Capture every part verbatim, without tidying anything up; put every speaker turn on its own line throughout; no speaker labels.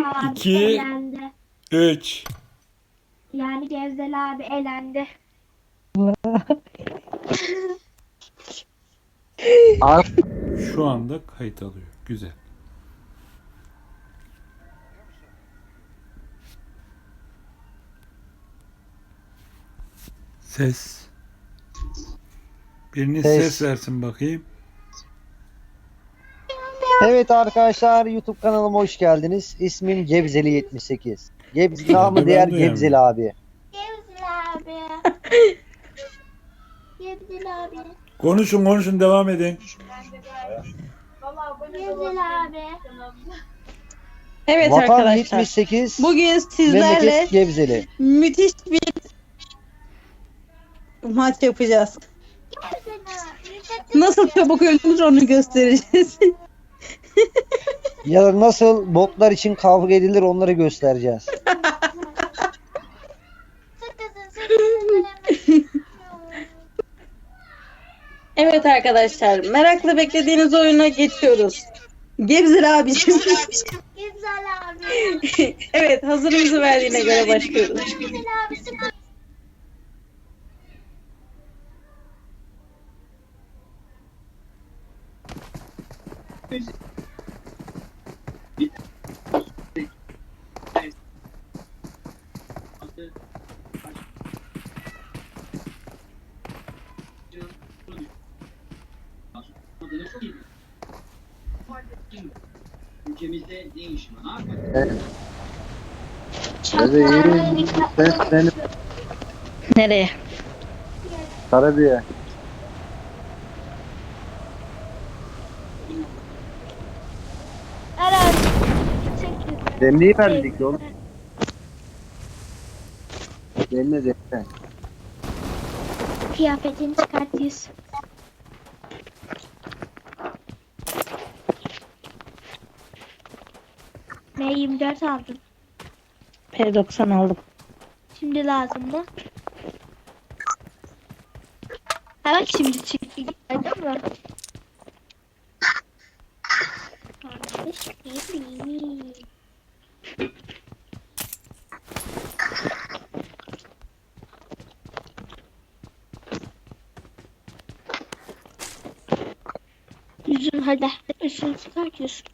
abi
iki,
elendi.
üç.
Yani Gevzel abi elendi.
Abi,
Şu anda kayıt alıyor. Güzel. Ses. Biriniz ses
Ses.
versin bakayım.
Evet arkadaşlar, YouTube kanalıma hoş geldiniz. İsmim Gebzeli yetmiş sekiz. Gebze, namı
Ben
diğer
duyamıyorum.
Gebzeli abi.
Gevzel abi. Gevzel abi.
Konuşun konuşun devam edin.
Gevzel abi.
Evet
Vatan
arkadaşlar.
yetmiş sekiz.
Bugün sizlerle
Memleket Gebzeli.
müthiş bir maç yapacağız.
Gevzel abi.
Nasıl çabuk ölünür onu göstereceğiz.
Ya da nasıl botlar için kavga edilir onları göstereceğiz.
Evet arkadaşlar, merakla beklediğiniz oyuna geçiyoruz. Gebzer abicim.
Gevzel abi.
Evet, hazırınızı verdiğine göre başlıyoruz.
Gevzel abi sıkı.
Ülkemizde ne iş var abi?
Bebeğim, ses benim.
Nereye?
Karabiye.
Aras.
Demliği verdik oğlum. Demle demle.
Kıyafetini çıkartıyorsun. M yirmi dört aldım.
P doksan aldım.
Şimdi lazım mı? Ha bak şimdi çıktı. Gördün mü? Kardeş bebeğim. Yüzün hadi. Üstünü çıkartıyorsun.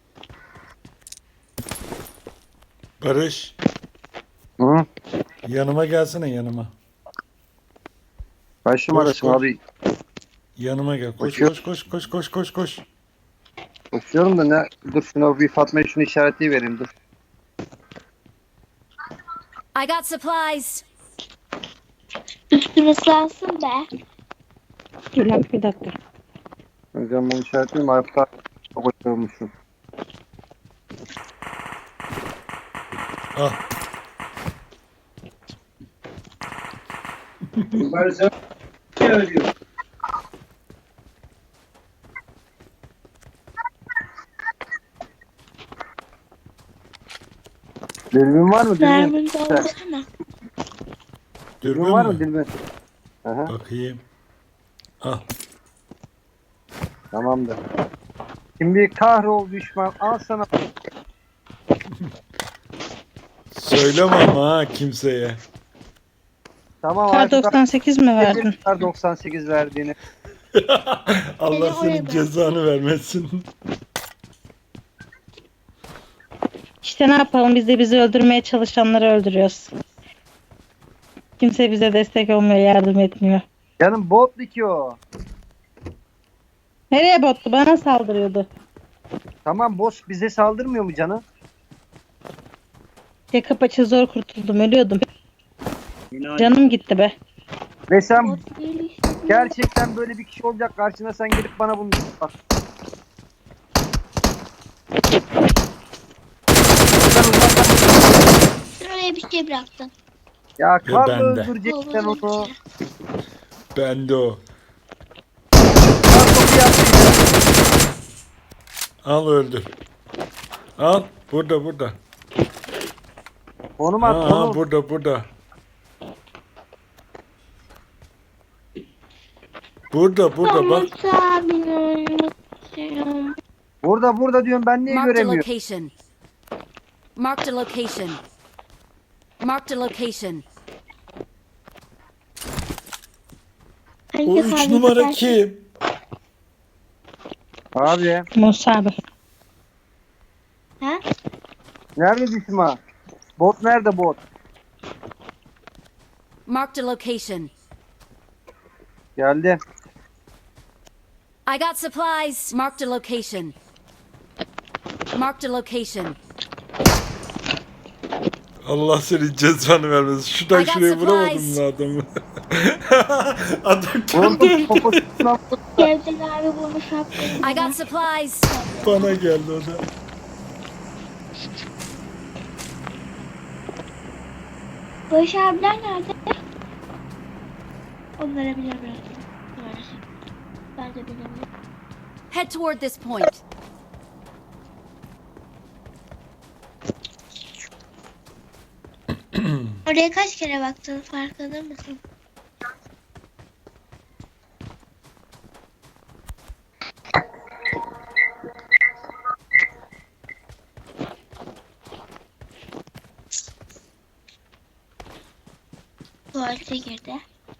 Barış.
Hı?
Yanıma gelsene yanıma.
Kaç numarasın
koş.
abi?
Yanıma gel. Koş
Koşuyor.
koş koş koş koş koş koş.
Koşuyorum da ne? Dur şuna bir Fatma'ya şunu işaretleyi vereyim dur.
I got supplies.
Üstünü ıslansın be.
Dur lan bir dakika.
Hocam bunu işaretleyeyim. Ayakta koşuyormuşum.
Al.
Ben sen ne ölüyor?
Dilbin var mı? Dilbin.
Mermin doldursana.
Dürbün
Dilbin var mı
mü?
Dilbin? Aha,
Bakayım. Al.
tamamdır. Şimdi kahrol düşman al sana.
Söyleme ama ha kimseye.
Tamam
Kar
artık
doksan sekiz mi verdin?
Kar doksan sekiz verdiğini.
Allah
Seni oraya
senin
bırak.
cezanı vermesin.
İşte ne yapalım, biz de bizi öldürmeye çalışanları öldürüyoruz. Kimse bize destek olmuyor, yardım etmiyor.
Canım botlu ki o.
Nereye bottu? Bana saldırıyordu.
Tamam boss bize saldırmıyor mu canım?
Yaka paça zor kurtuldum, ölüyordum. Canım gitti be.
Ve sen
Bot değil işte.
gerçekten böyle bir kişi olacak karşına sen gelip bana bunu bak. Sen uzaktan-
Şuraya bir şey bıraktın.
Ya karla
bende.
öldüreceksen onu.
Bende o.
Kar topu yapmayacak.
Al öldür. Al. Burada burada.
Konum
Ha,
at
ha,
konum.
burada burada. Burada burada bak.
Umut abini unuttum.
Burada burada diyorum ben niye
Marked a
göremiyorum?
location. Marked a location. Marked a location.
O üç numara kim?
Abi
Musa abi.
Ha?
nerede düşman? Bot nerede bot?
Marked a location.
Geldi.
I got supplies. Marked a location. Marked a location.
Allah senin cezanı vermesin. Şuradan
I got
şuraya vuramadım
supplies.
mı adamı? Adam
Bunun
kendi
poposuna
Cevdet abi bunu şapkalı.
I got supplies.
bana geldi o da.
Barış abiler nerede? Onlara bile bıraktım. Maalesef. Ben de bilemiyorum.
Head toward this point.
Oraya kaç kere baktın farkında mısın? Tuvalete girdi.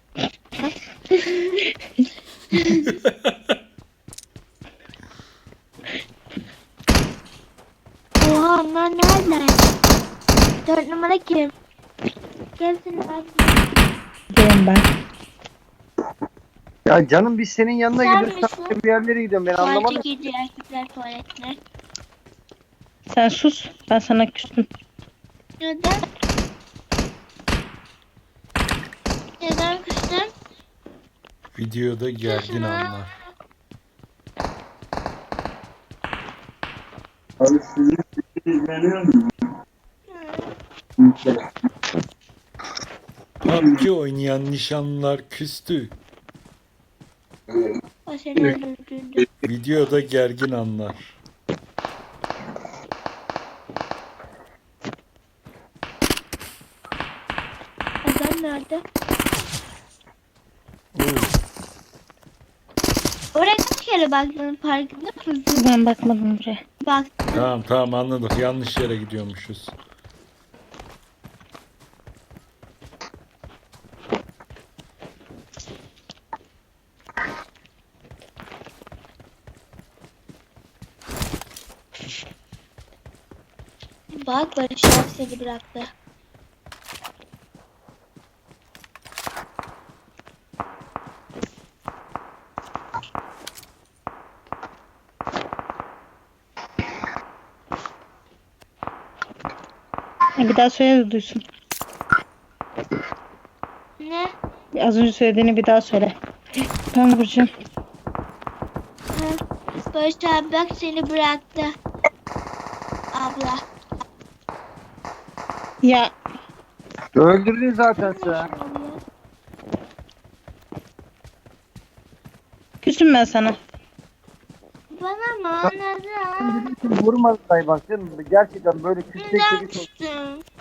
Oha onlar nerede? Dört numara kim? Gelsin abi.
Diyorum ben.
Ya canım biz senin yanına
Sen
gidiyoruz.
misin?
Sen bir yerlere gidiyorum ben
Tuvalete
anlamadım.
girdi erkekler tuvaletine.
Sen sus. Ben sana küstüm.
Neden? Neden küstün?
Videoda gergin anlar.
Abi sizin izleniyor mu?
P U B G oynayan nişanlılar küstü.
O seni öldürdüğünde.
Videoda gergin anlar.
Adam nerede?
Oo,
Oraya kaç kere baktın farkında mısın?
Ben bakmadım buraya.
Bak.
tamam tamam anladık. Yanlış yere gidiyormuşuz.
Bak Barış abi seni bıraktı.
E, Bir daha söyle de duysun.
Ne?
Az önce söylediğini bir daha söyle. Ben vuracağım.
Ha. Barış abi bak seni bıraktı. Abla.
Ya
Öldürdün zaten sen.
küsüm ben sana.
Bana mı? Neden?
Vurmadı say bak canım. Gerçekten böyle küstek
Neden
gibi çok.
küstün?